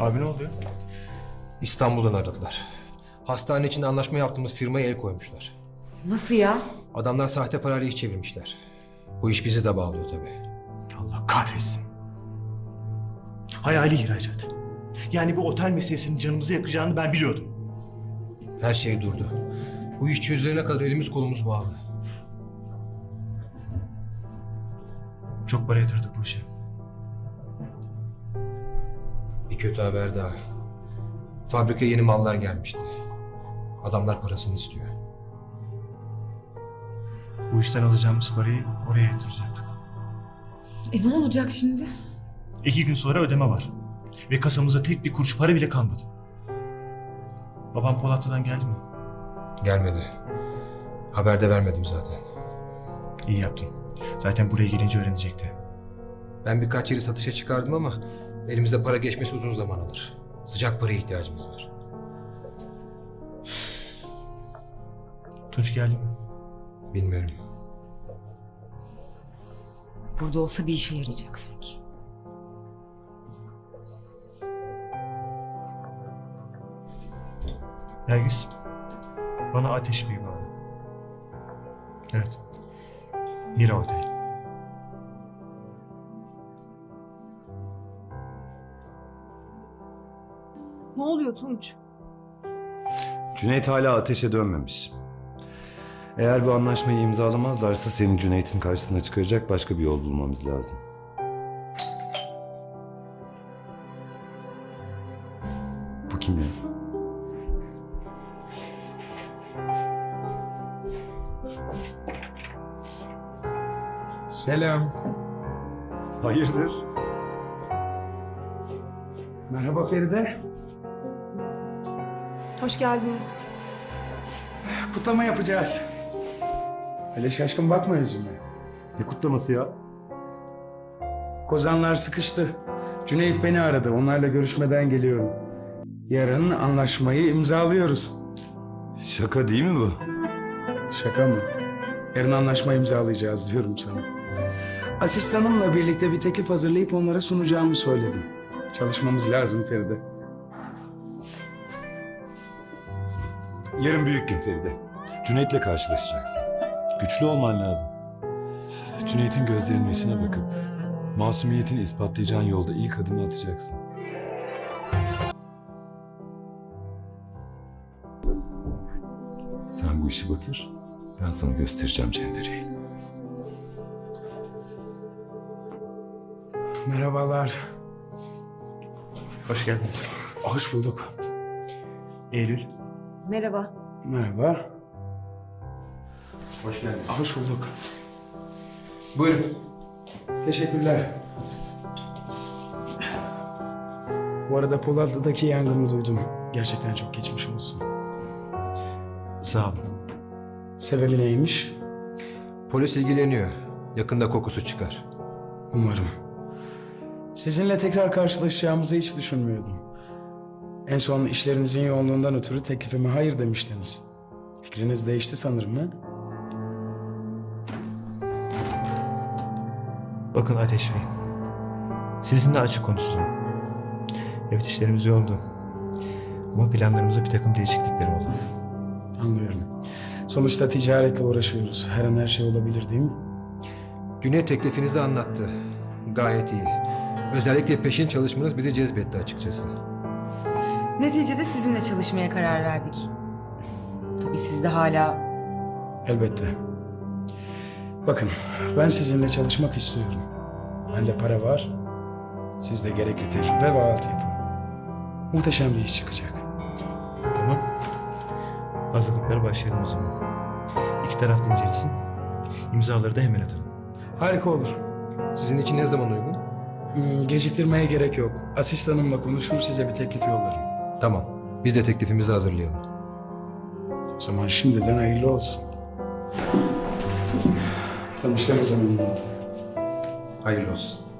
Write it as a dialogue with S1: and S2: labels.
S1: Abi ne oluyor?
S2: İstanbul'dan aradılar. Hastane için anlaşma yaptığımız firmaya el koymuşlar.
S3: Nasıl ya?
S2: Adamlar sahte parayla iş çevirmişler. Bu iş bizi de bağlıyor tabii.
S1: Allah kahretsin. Hayali ihracat. Yani bu otel meselesinin canımızı yakacağını ben biliyordum.
S2: Her şey durdu. Bu iş çözülene kadar elimiz kolumuz bağlı.
S1: Çok para yatırdık bu işe.
S2: Bir kötü haber daha. Fabrikaya yeni mallar gelmişti. Adamlar parasını istiyor.
S1: Bu işten alacağımız parayı oraya yatıracaktık.
S3: Ne olacak şimdi?
S1: 2 gün sonra ödeme var. Ve kasamızda tek bir kuruş para bile kalmadı. Babam Polatlı'dan geldi mi?
S2: Gelmedi. Haber de vermedim zaten.
S1: İyi yaptın. Zaten buraya gelince öğrenecekti.
S2: Ben birkaç yeri satışa çıkardım ama elimizde para geçmesi uzun zaman alır. Sıcak paraya ihtiyacımız var.
S1: Tunç geldi mi?
S2: Bilmiyorum.
S3: Burada olsa bir işe yarayacak sanki.
S1: Nergis, bana ateş bir bağlı. Evet. Mira Otel.
S4: Ne oluyor Tunç?
S5: Cüneyt hala ateşe dönmemiş. Eğer bu anlaşmayı imzalamazlarsa seni Cüneyt'in karşısına çıkaracak başka bir yol bulmamız lazım. Bu kim ya?
S6: Selam.
S5: Hayırdır?
S6: Merhaba Feride.
S4: Hoş geldiniz.
S6: Kutlama yapacağız. Öyle şaşkın bakma yüzüme.
S5: Ne kutlaması ya?
S6: Kozanlar sıkıştı. Cüneyt beni aradı. Onlarla görüşmeden geliyorum. Yarın anlaşmayı imzalıyoruz.
S5: Şaka değil mi bu?
S6: Şaka mı? Yarın anlaşma imzalayacağız diyorum sana. Asistanımla birlikte bir teklif hazırlayıp onlara sunacağımı söyledim. Çalışmamız lazım Feride.
S5: Yarın büyük gün Feride. Cüneyt'le karşılaşacaksın. Güçlü olman lazım. Cüneyt'in gözlerinin içine bakıp masumiyetini ispatlayacağın yolda ilk adımı atacaksın. Sen bu işi batır, ben sana göstereceğim cendereyi.
S6: Merhabalar.
S1: Hoş geldiniz.
S6: Hoş bulduk.
S1: Eylül.
S3: Merhaba.
S6: Merhaba.
S1: Hoş geldiniz.
S6: Hoş bulduk. Buyurun. Teşekkürler. Bu arada Polatlı'daki yangını duydum. Gerçekten çok geçmiş olsun.
S1: Sağ olun.
S6: Sebebi neymiş?
S2: Polis ilgileniyor. Yakında kokusu çıkar.
S6: Umarım. Sizinle tekrar karşılaşacağımızı hiç düşünmüyordum. En son işlerinizin yoğunluğundan ötürü teklifime hayır demiştiniz. Fikriniz değişti sanırım ha?
S1: Bakın Ateş Bey. Sizinle açık konuşacağım. Evet, işlerimiz yoğundu. Ama planlarımızda bir takım değişiklikler oldu.
S6: Anlıyorum. Sonuçta ticaretle uğraşıyoruz. Her an her şey olabilir değil mi?
S2: Cüneyt teklifinizi anlattı. Gayet iyi. Özellikle peşin çalışmanız bizi cezbetti açıkçası.
S3: Neticede sizinle çalışmaya karar verdik. Tabii siz de hala...
S6: Elbette. Bakın, ben sizinle çalışmak istiyorum. Bende para var. Sizde gerekli tecrübe ve altyapı. Muhteşem bir iş çıkacak.
S1: Tamam. Hazırlıklara başlayalım o zaman. İki taraf da incelesin. İmzaları da hemen atalım.
S6: Harika olur.
S2: Sizin için ne zaman uygun?
S6: Geciktirmeye gerek yok. Asistanımla konuşur size bir teklif yollarım.
S2: Tamam. Biz de teklifimizi hazırlayalım.
S6: O zaman şimdiden hayırlı olsun. Tanıştığımıza memnun oldum.
S2: Hayırlı olsun.